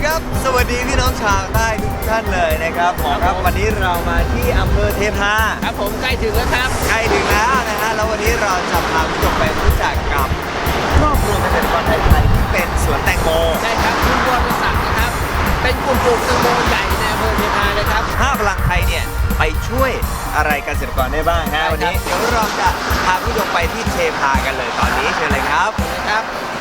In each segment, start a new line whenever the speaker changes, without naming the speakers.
ครับสวัสดีพี่น้องชาวใต้ทุกท่านเลยนะครับหมอครับวันนี้เรามาที่อำเภอเทพา
ครับผมใกล้ถึงแล้วครับ
ใกล้ถึงแล้วนะฮะแล้ววันนี้เราจะพาผู้ชมไปรู้จักกับครอบครัวเกษตรกรไทยที่เป็นสวนแตงโม
ใช่ครับคุณวรศักดิ์นะครับเป็นกลุ่มปลูกแตงโมใหญ่ในอำเภอเทพานะครับ
5 พลังไทยเนี่ยไปช่วยอะไรเกษตรกรได้บ้างฮะวันนี้เดี๋ยวเราจะพาผู้ชมไปที่เทพากันเลยตอนนี้เชิญเลยครับ
ครับ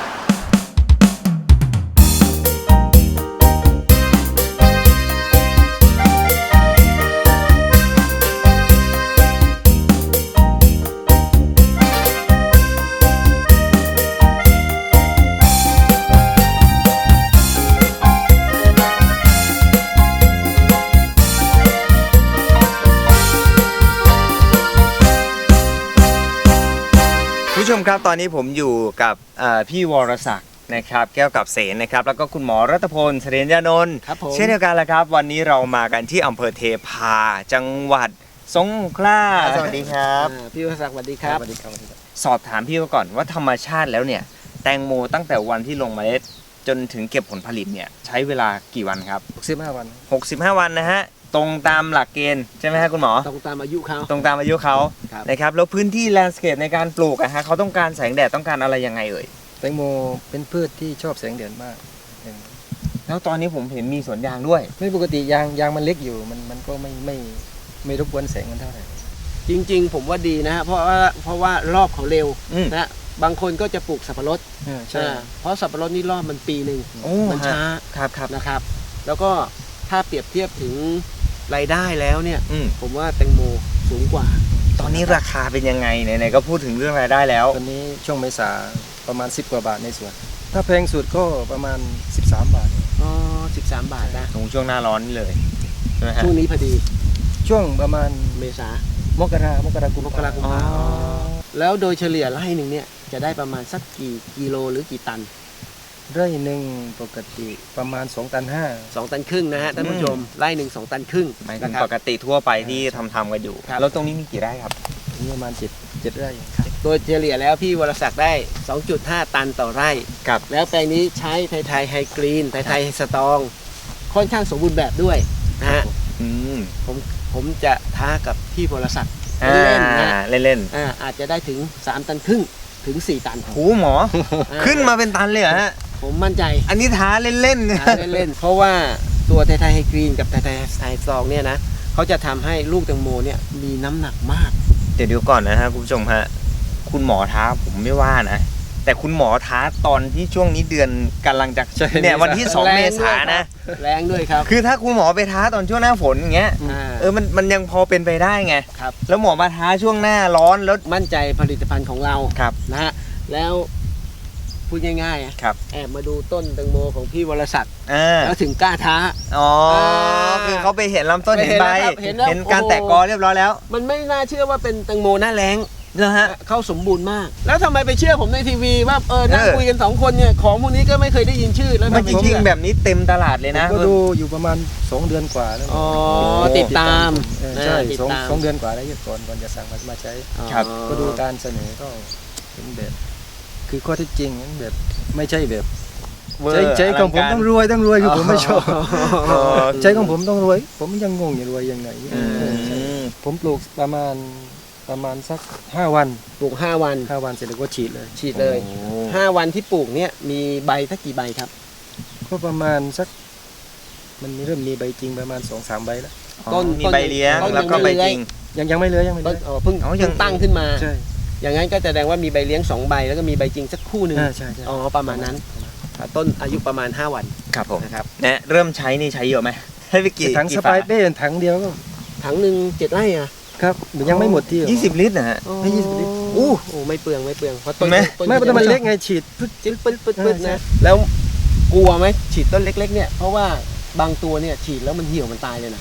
ผู้ชมครับตอนนี้ผมอยู่กับพี่วรศักดิ์นะครับแก้วกับเสนนะครับแล้วก็คุณหมอรัตพลเสถียรยานนท์เช่นเดียวกันแหละครับวันนี้เรามากันที่อำเภอเทพาจังหวัดสงขลาสวัสดีครับ
พี่วรศักดิ์สวัสดีครับ
สอบถามพี่ก่อนว่าธรรมชาติแล้วเนี่ยแตงโมตั้งแต่วันที่ลงเมล็ดจนถึงเก็บผลผลิตเนี่ยใช้เวลากี่วันครับ
65 วัน
65 วันนะฮะตรงตามหลักเกณฑ์ใช่ไหมฮะคุณหมอ
ตรงตามอายุเขา
นะครับแล้วพื้นที่แลนด์สเคปในการปลูกฮะเขาต้องการแสงแดดต้องการอะไรยังไงเอ่ย
แตงโมเป็นพืชที่ชอบแสงแดดมาก
แล้วตอนนี้ผมเห็นมีสวนยางด้วย
ไม่ปกติยางมันเล็กอยู่มันก็ไม่รบกวนแสงมันเท่าไหร่
จริงๆผมว่าดีนะฮะเพราะว่ารอบเขาเร็วนะบางคนก็จะปลูกสับปะรด
ใช่
เพราะสับปะรดนี่รอบมันปีหนึ่งมันช้า
ครับ
นะครับแล้วก็ถ้าเปรียบเทียบถึงรายได้แล้วเนี่ยผมว่าแตงโมสูงกว่า
ตอนนี้ราคาเป็นยังไงไหนๆก็พูดถึงเรื่องรายได้แล้ว
ตอนนี้ช่วงเมษาประมาณ10 กว่าบาทในสวนถ้าแพงสุดก็ประมาณ13 บาท
อ๋อ13 บาทนะ
ช่วงหน้าร้อนนี่เลยใช่ไหมฮะ
ช่วงนี้พอดี
ช่วงประมาณ
เมษามกรากุมภาแล้วโดยเฉลี่ยไร่หนึ่งเนี่ยจะได้ประมาณสักกี่กิโลหรือกี่ตัน
ไร่หนึ่งปกติประมาณ2.5 ตัน
2 ตันครึ่งนะฮะท่านผู้ชมไร่หนึ่ง2 ตันครึ่ง
หมายถึงปกติทั่วไปที่ทำกันอยู่แล้วตรงนี้มีกี่ไร่ครับ
นี่ประมาณ7 ไร่
โดยเฉลี่ยแล้วพี่วรศักดิ์ได้ 2.5 ตันต่อไร่
ครับ
แล้วแปลงนี้ใช้ไทยไฮกรีนไทยสตองค่อนข้างสมบูรณ์แบบด้วยนะฮะผมจะท้ากับพี่วรศักดิ์
เล่นๆนะเล่น
ๆอาจจะได้ถึง3 ตันครึ่งถึง4 ตัน
โอ้หมอขึ้นมาเป็นตันเลยเหรอฮะ
ผมมั่นใจ
อันนี้ท้าเล่น
ๆเพราะว่าตัวไทยไฮกรีนกับไทยสตองเนี่ยนะเขาจะทำให้ลูกแตงโมเนี่ยมีน้ำหนักมาก
เดี๋ยวก่อนนะฮะคุณผู้ชมฮะคุณหมอท้าผมไม่ว่านะแต่คุณหมอท้าตอนที่ช่วงนี้เดือนกำลังจะเนี่ยวันที่2 เมษายนนะ
แรงด้วยครับ
คือถ้าคุณหมอไปท้าตอนช่วงหน้าฝนอย่างเงี้ยมันยังพอเป็นไปได้ไง
ครับ
แล้วหมอมาท้าช่วงหน้าร้อนแล้ว
มั่นใจผลิตภัณฑ์ของเรา
ครับ
นะฮะแล้วพูดง่ายๆ
ครับ
แอบมาดูต้นแตงโมของพี่วรศักดิ์แล้วถึงกล้าท้า
คือเขาไปเห็นลำต้นเห็นใบเห็นการแตกกอเรียบร้อยแล้ว
มันไม่น่าเชื่อว่าเป็นแตงโมหน้าแล้ง
นะฮะ
เขาสมบูรณ์มากแล้วทำไมไปเชื่อผมในทีวีว่านั่งคุยกัน2 คนเนี่ยของพวกนี้ก็ไม่เคยได้ยินชื่อแล้ว
จริงๆแบบนี้เต็มตลาดเลยนะ
ก็ดูอยู่ประมาณ2 เดือนกว่าแล้ว
ติดตาม
ใช่2 เดือนกว่าแล้วก่อนจะสั่งมาใช้ก็ดูการเสนอก็เป็นแบบคือข้อเท็จจริงแบบไม่ใช่แบบใจของผมต้องรวยคือผมไม่ชอบใจของผมต้องรวยผมยังงงอยู่รวยยังไงผมปลูกประมาณสัก5 วัน
ปลูก5 วัน
เสร็จแล้วก็ฉีด
เลย5 วันที่ปลูกเนี่ยมีใบสักกี่ใบครับ
ก็ประมาณสักมันเริ่มมีใบจริงประมาณ 2-3 ใบแล้ว
ต้นมีใบเลี้ยงแล้วก็ใบจริง
ยังไม่เลย
เพิ่งตั้งขึ้นมาอย่างนั้นก็แสดงว่ามีใบเลี้ยง2 ใบแล้วก็มีใบจริงสักคู่หนึ่ง
ใช่
ประมาณนั้นต้นอายุประมาณ5 วัน
ครับผม
นะครับ
เนี่ยเริ่มใช้นี่ใช้เยอะไหมให้ไปกี่
ถังสไปเป้ถังเดียวก็
ถังหนึ่ง7 ไร่อะ
ครับยังไม่หมดที่
20 ลิตรนะฮะ
ไม่20 ลิตร
ไม่เปลืองเพราะต้น
มันเล็กไงฉีด
ปึ๊ดนะแล้วกลัวไหมฉีดต้นเล็กๆเนี่ยเพราะว่าบางตัวเนี่ยฉีดแล้วมันเหี่ยวมันตายเลยนะ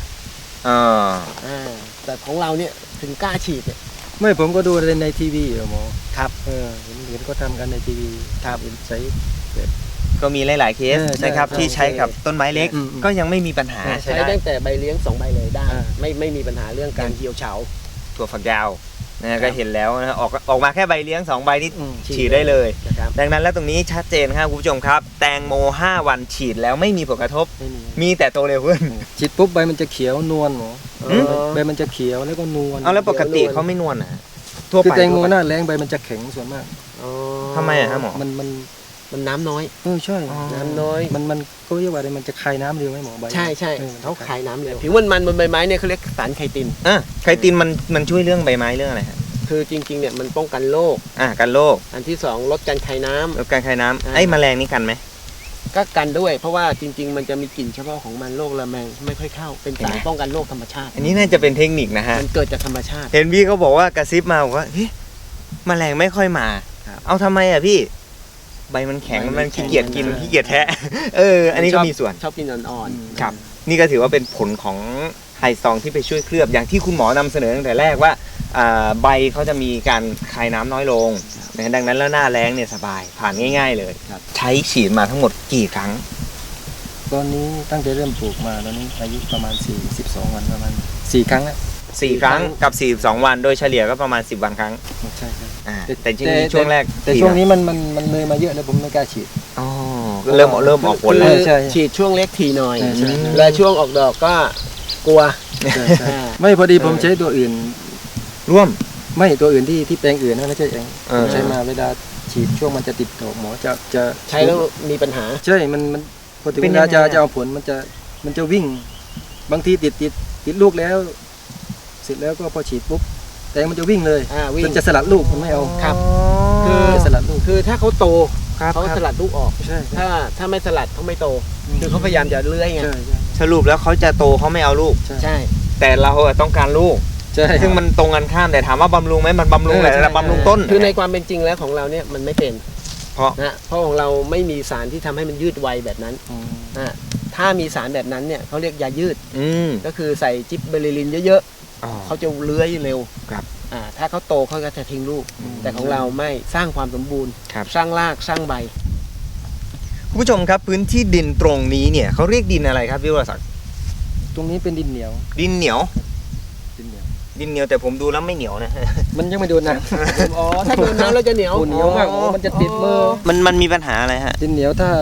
แต่ของเราเนี่ยถึงกล้าฉีดเนี่ย
ไม่ผมก็ดูในทีวีหมอ
ครับ
เห็นก็ทำกันในทีวี
ครับ
ใช้
ก็มีหลายๆเคสนะครับที่ใช้กับต้นไม้เล็กก็ยังไม่มีปัญหา
ใช้ตั้งแต่ใบเลี้ยง2 ใบเลยได้ไม่มีปัญหาเรื่องการเหี่ยวเฉา
ถั่วฝักยาวนะก็เห็นแล้วนะออกมาแค่ใบเลี้ยง2ใบนี่
ฉีด
ฉีดได้เลย
นะครับ
ดังนั้นแล้วตรงนี้ชัดเจนครับคุณผู้ชมครับ แตงโม5 วันฉีดแล้วไม่มีผลกระทบ
ไม่มี
มีแต่โตเร็วขึ้น
ฉีดปุ๊บใบมันจะเขียวนวลหมอ
อืม
ใบมันจะเขียวแล้วก็นวล
เอาแล้วปกติเขาไม่นวลนะทั่ว
คือ
ไป
แตงโม
ทั่วไป
หน้าแรงใบมันจะแข็งส่วนมาก
อ๋อ
ทำไมอะฮะหมอ
มัน
น้ำน้อย
ใช่
อ๋อ
น้ำน้อย
มันก็เรียกว่าอะไรมันจะคายน้ำเร็วไหมหมอใบ
ใช่ใช่
ออ
เขาขายน้ำเร็วผิวมันบนใบไม้เนี่ยเขาเรียกสารไคติน
ไคตินมันช่วยเรื่องใบไม้เรื่องอะไรฮะ
คือจริงๆเนี่ยมันป้องกันโรค
กันโรค
อันที่สองลดการคายน้ำ
ลดการคายน้ำ
อ่า
ไอ้แมลงนี่กันไหม
ก็กันด้วย เพราะว่าจริง ๆ มันจะมีกลิ่นเฉพาะของมันโรคระแมงไม่ค่อยเข้า เป็นสารป้องกันโรคธรรมชาติ
อันนี้น่าจะเป็นเทคนิคนะฮะ
มันเกิดจากธรรมชาติ
เห็นพี่เขาบอกว่ากระซิบมาบอกว่าเฮ้ยแมลงไม่ค่อยมา
ครับ
เอาทำไมอ่ะพี่ ใบมันแข็ง
ใบมัน
มันขี้เกียจกิน
แข็ง
ขี้เกียจแทะ อันนี้ก็มีส่วน
ชอบกินอ่อนๆ
ครับ นี่ก็ถือว่าเป็นผลของไฮซองที่ไปช่วยเคลือบอย่างที่คุณหมอนำเสนอตั้งแต่แรกว่าใบเขาจะมีการคายน้ำน้อยลงนะดังนั้นแล้วหน้าแล้งเนี่ยสบายผ่านง่าย ๆเลย
ครับ
ใช้ฉีดมาทั้งหมดกี่ครั้ง
ตอนนี้ตั้งแต่เริ่มปลูกมาตอนนี้อายุประมาณ42 วันประมาณ4 ครั้งแล้ว
4 ครั้งกับ42 วันโดยเฉลี่ยก็ประมาณ10 วันครั้ง
ใช่ครับ
แต่จริงๆช่วงแรก
แต่ช่วงนี้มันเลยมาเยอะแล้วผมไม่กล้าฉีด
อ๋อเริ่มออกผล
เอ
แล้ว
อใช่
ฉีดช่วงเล็กทีหน่อย
ใช่ใช่ใช่
แล้วช่วงออกดอกก็กลัว
ไม่พอดีผมใช้ตัวอื่น
ร่วม
ไม่ตัวอื่นที่แปลงอื่นนะไม่ใช่เอง
อ
ใช้มาเวลาฉีดช่วงมันจะติดดอกหมอจะ
ใช้แล้วมีปัญหา
ใช่มันพอถึง
เป็
เวน
ยัง
ลา
ไง
จะ
อะ
เอาผลมันจะวิ่ง บางทีติดลูกแล้ว เสร็จแล้วก็พอฉีดปุ๊บแตงมันจะวิ่งเลย
วิ่ง
มันจะสลัดลูกมันไม่เอา
ครับ
คือ
จะสลัดลูก
คือถ้าเขาโต
ครับ
เขาสลัดลูกออก
ใช่
ถ้าไม่สลัดเขาไม่โต คือเขาพยายามจะเลื้อยไง
ใช่
สรุปแล้วเขาจะโตเขาไม่เอาลูก
ใช่
แต่เราอะต้องการลูก
ใช่
ซึ่งมันตรงกันข้ามแต่ถามว่าบำรุงไหมมันบำรุงแหละ
ใช่
แต่บำรุงต้น
คือในความเป็นจริงแล้วของเราเนี่ยมันไม่เป็น
เพราะ
นะเพราะของเราไม่มีสารที่ทำให้มันยืดไวแบบนั้น
อืม
อ่ะถ้ามีสารแบบนั้นเนี่ยเขาเรียกยายืด
อืม
ก็คือใส่จิบเบอร์ลิลินเยอะ
อ๋อ
ๆเขาจะเลื้อยเร็ว
ครับ
ถ้าเขาโตเขาก็จะทิ้งลูก แต่ของเราไม่สร้างความสมบูรณ์
ครับ
สร้างรากสร้างใบ
คุณผู้ชมครับพื้นที่ดินตรงนี้เนี่ยเขาเรียกดินอะไรครับพี่วรศักดิ์
ตรงนี้เป็นดินเหนียว
ดินเหนียว
ดินเหนียว
ดินเหนียวแต่ผมดูแล้วไม่เหนียวนะ
มันยังไม่โดนนะ
อ๋อถ้าโดนน้ำแล้วจะเหนียว
โอ้เหนียวมากมันจะติดมือ
มันมีปัญหาอะไรฮะ
ดินเหนียวถ้า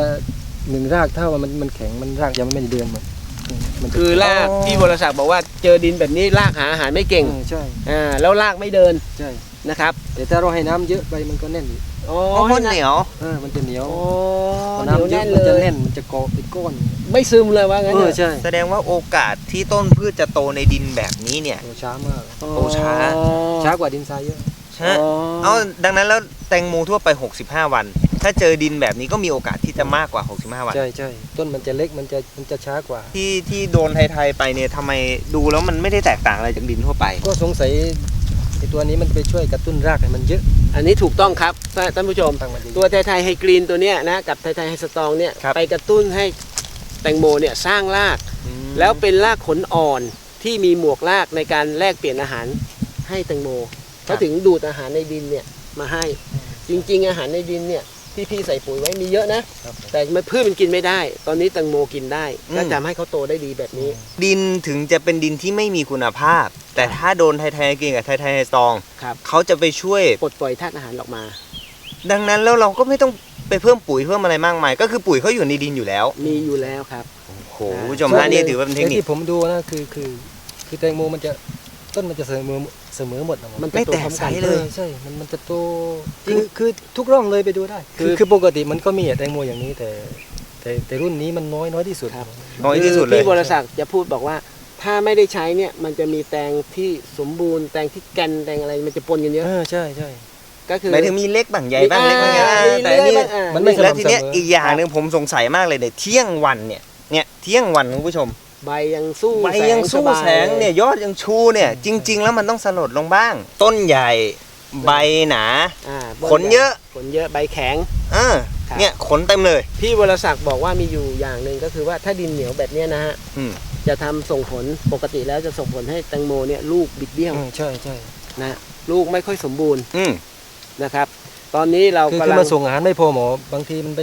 1 รากเท่ามันแข็งมันรากยังไม่ได้เดือนมันจะ
คือราก
อ๋อ
ที่บริษัทบอกว่าเจอดินแบบนี้รากหาอาหารไม่เก่ง
ใช่
แล้วรากไม่เดิน
ใช่
นะครับ
แต่ถ้าเราให้น้ำเยอะไปมันก็แน่นอีก
อ๋อ
เพราะมันเหนียว
มันจะเหนียว
โอ้
พอ
เหนียว
น้ำเย
แน่
อะ
น
มัน
เล
จะ
ย
แน่นมันจะเกาะเป็นก้อน
ไม่ซึมเลยว่างั้นเถอะ
ใช่
แสดงว่าโอกาสที่ต้นพืชจะโตในดินแบบนี้เนี่ย
โตช้ามาก
โตช้า
ช้ากว่าดินทรายเยอะ
ฮะเอาดังนั้นแล้วแตงโมทั่วไป 65 วัน ถ้าเจอดินแบบนี้ก็มีโอกาสที่จะมากกว่า 65 วัน
ใช่ต้นมันจะเล็กมันจะช้ากว่า
ที่โดนไทยๆไปเนี่ยทำไมดูแล้วมันไม่ได้แตกต่างอะไรจากดินทั่วไป
ก็สงสัยไอตัวนี้มันไปช่วยกระตุ้นรากให้มันเยอะ
อันนี้ถูกต้องครับท่านผู้ชม
ตั้งมันเยอะ
ตัวไทยไฮกรีนตัวเนี้ยนะกับไทยไฮสตรองเนี่ย
ครับ
ไปกระตุ้นให้แตงโมเนี่ยสร้างราก แล้วเป็นรากขนอ่อนที่มีหมวกรากในการแลกเปลี่ยนอาหารให้แตงโมเขาถึงดูดอาหารในดินเนี่ยมาให้ จริงๆอาหารในดินเนี่ยที่พี่ใส่ปุ๋ยไว้มีเยอะนะ
ครับ
แต่พืชมันกินไม่ได้ ตอนนี้แตงโมกินได้
อืม
ก็ทำให้เขาโตได้ดีแบบนี้
ดินถึงจะเป็นดินที่ไม่มีคุณภาพ แต่ถ้าโดนไทยๆกินกับไทยๆซอง
ครับ
เขาจะไปช่วย
ปลดปล่อยธาตุอาหารออกมา
ดังนั้นแล้วเราก็ไม่ต้องไปเพิ่มปุ๋ยเพิ่มอะไรมากมาย ก็คือปุ๋ยเขาอยู่ในดินอยู่แล้ว
มีอยู่แล้วครับ
โอ้โหคุณผู้ชมฮะนี่ถือว่าเป็นเทคนิค
ที่ผมดูนะคือแตงโมมันจะต้นมันจะเสมอหมดนะ
มัน
ไม่แตก
พร้อ
ใส
น
เลย
ใช่มันจะโตคือทุกร่องเลยไปดูได้ คือปกติมันก็มีแตงโมอย่างนี้แต่รุ่นนี้มันน้อยที่สุด
ครับ
น้อยที่สุดเลย
พี่บริษัทจะพูดบอกว่า ถ้าไม่ได้ใช้เนี่ยมันจะมีแตงที่สมบูรณ์แตงที่แกนแตงอะไรมันจะปนกันเยอะ
ใช่
ก็คือ
หมายถึงมีเล็กบ้างใหญ่บ้างเล็กบ้างใหญ่บ้าง
มี
แต่อันนี่
เลื่อยบ้าง
มันไม่
แล้วทีเนี้ย
สม่ำเสมอ
อีกอย่างหนึ่งผมสงสัยมากเลยเนี่ยเที่ยงวันเนี่ยเที่ยงวันคุณผู้ชม
ใบยังสู้
ใบยังสู้
บา
แสงเนี่ยยอดยังชูเนี่ยจริง ๆ แล้วมันต้องสลดลงบ้าง ต้นใหญ่ใบหนา ขนเยอะ
ขนเยอะใบแข็ง ครับ
เนี่ยขนเต็มเลย
พี่วรศักดิ์บอกว่ามีอยู่อย่างหนึ่งก็คือว่าถ้าดินเหนียวแบบเนี้ยนะฮะ
อืม
จะทำส่งผลปกติแล้วจะส่งผลให้แตงโมเนี่ยลูกบิดเบี้ยว
ใช่
นะลูกไม่ค่อยสมบูรณ์
อืม
นะครับ ตอนนี้เรา
คือก
ำลัง
มันส่งอาหารไม่พอหมอบางทีมันไป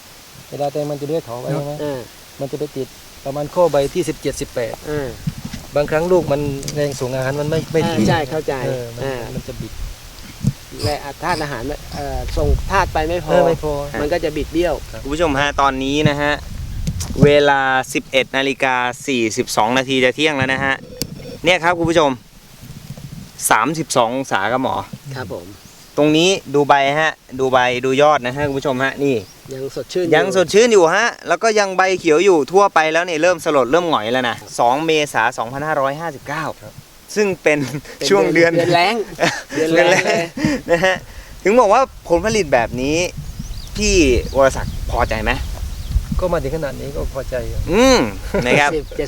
เวลาแตงมันจะเลื้อยเขาไปใช่ไหม
อ่า
มันจะไปติดประมาณข้อใบที่17 18
อ่า
บางครั้งลูกมันแรงส่งอาหารมันไม่ถึง
ใช่เข้าใจ
มันจะบิด
และธาตุอาหารส่งธาตุไปไม่พอ
ไม่พอ
มันก็จะบิดเบี้ยว
คุณผู้ชมฮะตอนนี้นะฮะเวลา 11:42 นาทีจะเที่ยงแล้วนะฮะเนี่ยครับคุณผู้ชม 32 องศาครับหมอ
ครับผม
ตรงนี้ดูใบฮะดูใบดูยอดนะฮะคุณผู้ชมฮะนี่
ยังสดชื่น
ยังสดชื่นอยู่ฮะแล้วก็ยังใบเขียวอยู่ทั่วไปแล้วเนี่ยเริ่มสลดเริ่มหงอยแล้วนะ2 เมษายน 2559 ซึ่งเป็นช่วงเดือน
แรงเดือนแรงเลย
นะฮะถึงบอกว่าผลผลิตแบบนี้พี่วรศักดิ์พอใจไหม
ก็มาถึงขนาดนี้ก็พอใจอยู่
นะครับ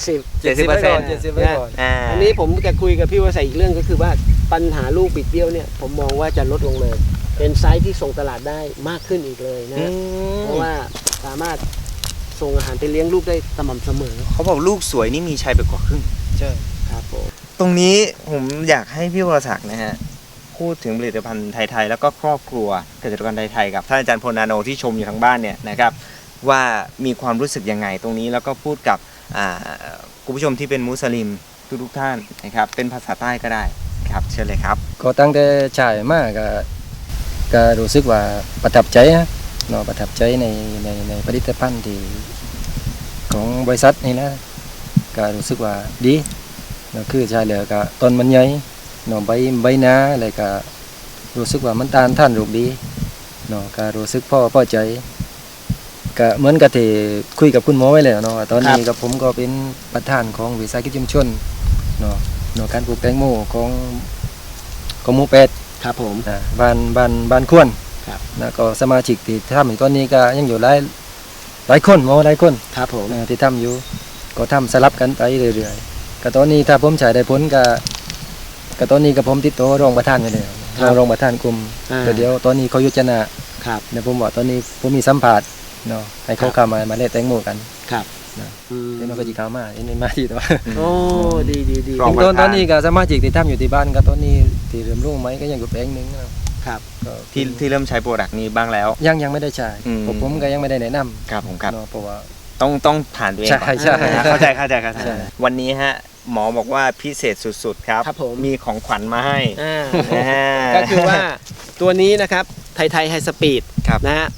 70
ไว้ก่อน70ไว้ก่อน
อันนี้ผมจะคุยกับพี่วสัยอีกเรื่องก็คือว่าปัญหาลูกบิดเบี้ยวเนี่ยผมมองว่าจะลดลงเลย เป็นไซส์ที่ส่งตลาดได้มากขึ้นอีกเลยนะเพราะว่าสามารถส่งอาหารไปเลี้ยงลูกได้สม่ำเสมอ
เขาบอกลูกสวยนี่มีชัยไปกว่าครึ่ง
ใช่
ครับผม
ตรงนี้ผมอยากให้พี่วรศักดิ์นะฮะพูดถึงผลิตภัณฑ์ไทยๆแล้วก็ครอบครัวเกษตรกรไทยๆกับท่านอาจารย์พลนาโนที่ชมอยู่ทางบ้านเนี่ยนะครับว่ามีความรู้สึกยังไงตรงนี้แล้วก็พูดกับคุณผู้ชมที่เป็นมุสลิมทุกท่านนะครับเป็นภาษาใต้ก็ได้ครับเชิญเลยครับ
ก็ตั้งแต่จ่ายมากก็รู้สึกว่าประทับใจนะเนาะประทับใจในผลิตภัณฑ์ที่ของบริษัทนี่นะก็รู้สึกว่าดีเนาะคือใช่เลยก็ต้นมันใหญ่เนาะใบหนาอะไรก็รู้สึกว่ามันต้านทานโรคดีเนาะก็รู้สึกพอใจก็เหมือนกับที่คุยกับคุณหมอไว้แล้วเนาะตอนนี้กับผมก็เป็นประธานของวิสาหกิจชุมชนเนาะการปลูกแตงโมของหมู่เป็ด
ครับผม
บ้านควร
ครับ
นะก็สมาชิกที่ทำอยู่ตอนนี้ก็ยังอยู่หลายคนหมอหลายคน
ครับผม
ที่ทำอยู่ก็ทำสลับกันไปเรื่อยๆก็ตอนนี้ถ้าผมใช้ได้ผลก็ตอนนี้ก็ผมติดต่อรองประธานไปเลยรองประธานกลุ่มเดี๋ยวตอนนี้เขายุจนะครับเดี๋ยวผมบอกตอนนี้ผมมีสัมภาษณ์เนาะให้เขาเข้ามาเล่นแตงโมกัน
ครับ
เดี๋ยวมันก็จะเข้ามาเอ็นมาที่ตัว
โอ้ดี
รองประธาน
ตอนนี้ก็สมาชิกที่ทำอยู่ที่บ้านก็ตอนนี้ที่เริ่มรุ่งไหมก็ยังอยู่แปลงหนึงนะครับ ก็
ที่เริ่มใช้โปรดักต์นี้บ้างแล้ว
ยังไม่ได้ใช้
อืม
ผมก็ยังไม่ได้แนะนำ
ครับผมครับ
เนาะเพราะว่า
ต้องผ่านตัวเองก่อน
ใช่
เข้าใจ
ใช่
วันนี้ฮะหมอบอกว่าพิเศษสุดๆครับ
ครับผม
มีของขวัญมาให้
ก็คือว่าตัวนี้นะครับไทยไฮสปีด
ครับ
นะฮะ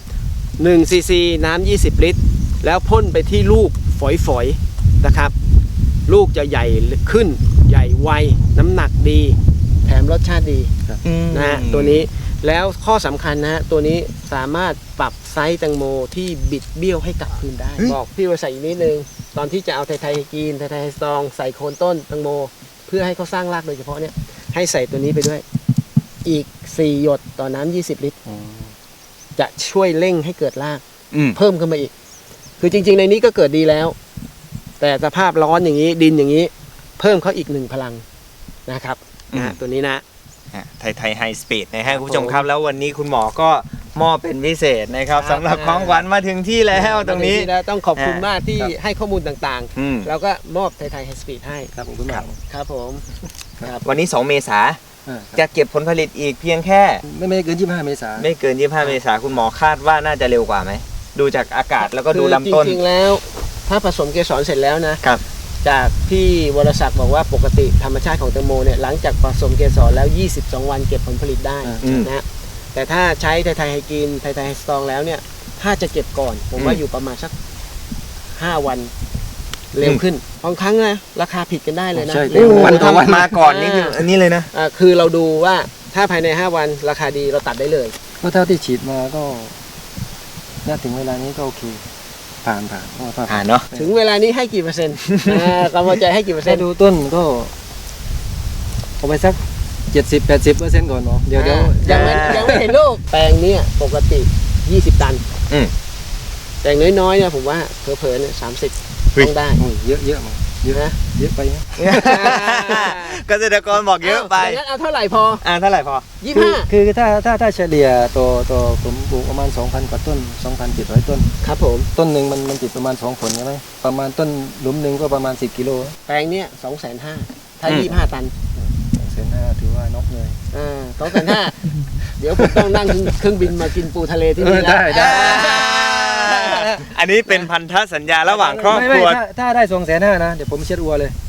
1ซีซีน้ำ20 ลิตร แล้วพ่นไปที่ลูกฝอยๆนะครับ ลูกจะใหญ่ขึ้นใหญ่ไวน้ำหนักดี แถมรสชาติดีนะฮะตัวนี้แล้วข้อสำคัญนะฮะตัวนี้สามารถปรับไซส์แตงโมที่บิดเบี้ยวให้กลับคืนได้ บอกพี่ว่าใส่อีกนิดนึง ตอนที่จะเอาไทยๆกินไทยๆสตรองใส่โคนต้นแตงโม เพื่อให้เขาสร้างรากโดยเฉพาะเนี่ยให้ใส่ตัวนี้ไปด้วย อีก 4 หยดต่อน้ำ20 ลิตร จะช่วยเร่งให้เกิดราก เพิ่มขึ้นมาอีก คือจริงๆในนี้ก็เกิดดีแล้ว แต่สภาพร้อนอย่างนี้ดินอย่างนี้ เพิ่มเขาอีก1พลังนะครับตัวนี้นะ
ไทยไฮสปีดนะฮะคุณผู้ชมครับแล้ววันนี้คุณหมอก็มอบเป็นพิเศษนะครับสำหรับของขวัญมาถึงที่แล้วตรงนี้
แล้วต้องขอบคุณมากที่ให้ข้อมูลต่าง
อืม
ๆ แล้วก็มอบไทยไฮสปีดให้
ครับผมคุณหมอ
ครับผมครับ
วันนี้ 2 เมษาจะเก็บผลผลิตอีกเพียงแค่
ไม่เกิน25เมษายน
ไม่เกิน 25 เมษาคุณหมอคาดว่าน่าจะเร็วกว่าไหม ดูจากอากาศแล้วก็ดูลำต้น
คือจริงๆแล้วถ้าผสมเกสรเสร็จแล้วนะครับ จากพี่วรศักดิ์บอกว่าปกติธรรมชาติของแตงโมเนี่ยหลังจากผสมเกสรแล้ว 22 วันเก็บผลผลิตได้นะฮะแต่ถ้าใช้ไทยไฮกินไทยไฮสตรองแล้วเนี่ยถ้าจะเก็บก่อนผมว่าอยู่ประมาณสัก5 วันเร็วขึ้นบางครั้งนะราคาผิดกันได้เลยนะ
ใช่
เร็ว
วันต่อวันมาก่อนนี่คืออันนี้เลยนะ
คือเราดูว่าถ้าภายใน 5 วันราคาดีเราตัดได้เลย
ก็เท่าที่ฉีดมาก็น่าถึงเวลานี้ก็โอเคผ่านเพราะว่า
ผ่านเนาะ
ถึงเวลานี้ให้กี่เปอร์เซ็นต์กำลังใจให้กี่เปอร์เซ็
ถ้าน
ต์
ดูต้นก็เอาไปสัก 70-80%ก่อนเนาะเดี๋ยว
ยังไม่เห็นลูกแปลงเนี้ยปกติ 20 ตัน
อืม
แต่อย่างน้อยๆเนี่ยผมว่าเผลอๆเนี่ย30
เฮ้ย
ต้องได้
โอ้ยเยอะมั้งเยอะ
นะ
เยอะไปนะ
เกษตรกรบอกเยอะไป
อย่างนั้นเอาเท่าไหร่พอ
เท่าไหร่พอ
25
คือถ้าเฉลี่ยตัวผมปลูกประมาณ 2,000 กว่าต้น 2,700 ต้น
ครับผม
ต้นหนึ่งมันติดประมาณ2 ผลใช่ไหมประมาณต้นหลุมหนึ่งก็ประมาณ10 กิโล
แปลงเนี้ย250,000ถ้า
อืม
25 ตัน
2,500ถือว่านกเลย
250,000เดี๋ยวผมต้องนั่งเครื่องบินมากินปูทะเลที่นี่แล้ว
ได้
อันนี้เป็นพันธสัญญาระหว่างครอบครัว
ไม่ถ้าได้2,500,000นะเดี๋ยวผมเช็ดอัวเลย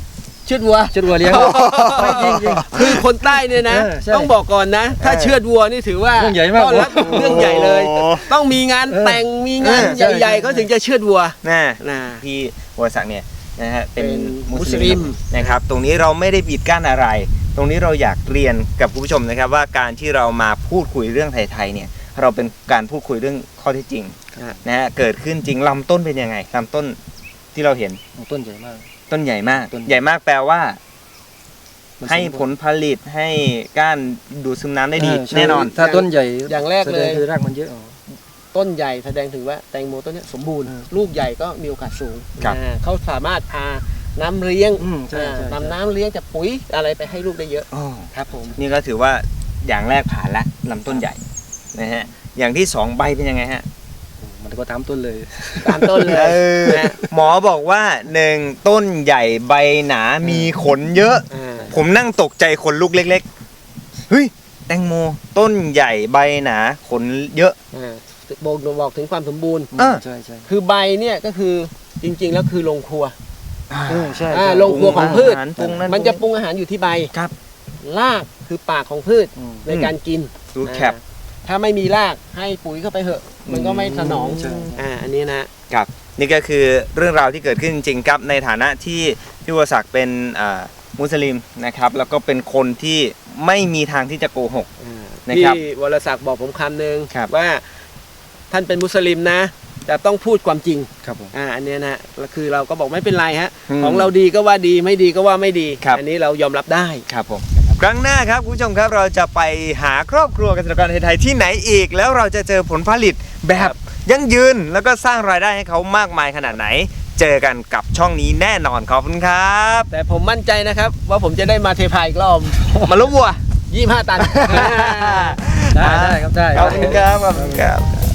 เชือดวัว
เชือดวัวเลี้ยงไม่จริงจริง
คือคนใต้เนี่ยนะ
ใช่
ต้องบอกก่อนนะ ถ้าเชือดวัวนี่ถือว่า
เรื่องใหญ่มาก
ต้อนรับเรื่องใหญ่เลย
โอ้
ต้องมีงานแต่งมีงาน
ใช่
ใหญ่ๆเขาถึงจะเชือดวัว
น่ะ
นะ
พี่วรศักดิ์เนี่ยนะฮะเป็น
เป็น
มุสลิ
มุสลิ
ม
ม
นะครับตรงนี้เราไม่ได้ปิดกั้นอะไร ตรงนี้เราอยากเรียนกับคุณผู้ชมนะครับว่าการที่เรามาพูดคุยเรื่องไทยๆเนี่ยเราเป็นการพูดคุยเรื่องข้อเท็จจริงนะฮะเกิดขึ้นจริงลำต้นเป็นยังไงลำต้นที่เราเห็น
ต้นใหญ่มาก
ต้นใหญ่มาก
ต้น
ใหญ่มากแปลว่า
มัน
ให้
สมบูรณ์
ผลผลิตให้ก้านดูดซึมน้ำได้ดี
ใช่
แน่นอน
ถ้าต้นใหญ่
อย่างแรกเลย
แสดงคือรากมันเยอะ
ต้นใหญ่แสดงถึงว่าแตงโมต้นเนี้ยสมบูรณ์ ลูกใหญ่ก็มีโอกาสสูง
ครับ
เขาสามารถพาน้ำเลี้ยง
ใช่ใช่
นำน้ำเลี้ยงจากปุ๋ยอะไรไปให้ลูกได้เยอะ
อ๋อ
ครับผม
นี่ก็ถือว่าอย่างแรกผ่านละลำต้นใหญ่นะฮะอย่างที่สองใบเป็นยังไงฮะ
มันก็ตามต้นเลย
ตามต้นเลย
ออ
นะ
หมอบอกว่าหนึ่งต้นใหญ่ใบหนามีขนเยอะ
อ่า
ผมนั่งตกใจขนลูกเล็กๆเฮ้ยแตงโมต้นใหญ่ใบหนาขนเยอะ
บอกถึงความสมบูรณ์
อ่า
ใช่ใช่
คือใบเนี่ยก็คือจริงๆแล้วคือโรงครัว
ใช่
โรงครัวของพืช
อาหารปรุงนั่น
มันจะปรุงอาหารอยู่ที่ใบ
ครับ
รากคือปากของพืชในการกิน
ดูแคป
ถ้าไม่มีรากให้ปุ๋ยเข้าไปเหอะ มันก็ไม่สนอง
ใช่
อันนี้นะ
ครับนี่ก็คือเรื่องราวที่เกิดขึ้นจริงๆครับในฐานะที่พี่วรศักดิ์เป็นมุสลิมนะครับแล้วก็เป็นคนที่ไม่มีทางที่จะโกหก นะ
พี่
ครับ
วรศักดิ์บอกผมคำหนึ่ง
ครับ
ว่าท่านเป็นมุสลิมนะแต่ต้องพูดความจริง
ครับผม
อันเนี้ยนะแล้วคือเราก็บอกไม่เป็นไรฮะ
อืม
ของเราดีก็ว่าดีไม่ดีก็ว่าไม่ดี
ครับ
อันนี้เรายอมรับได้
ครับผมครั้งหน้าครับคุณผู้ชมครับเราจะไปหาครอบครัวเกษตรกรไทยๆที่ไหนอีก แล้วเราจะเจอผลผลิตแบบยั่งยืนแล้วก็สร้างรายได้ให้เขามากมายขนาดไหน เจอกันกับช่องนี้แน่นอนขอบคุณครับ
แต่ผมมั่นใจนะครับว่าผมจะได้มาเทพาอีกรอบ
มาลุกวัว
25 ตัน
ได้ครับได้
ขอบคุณครับขอบคุณครับ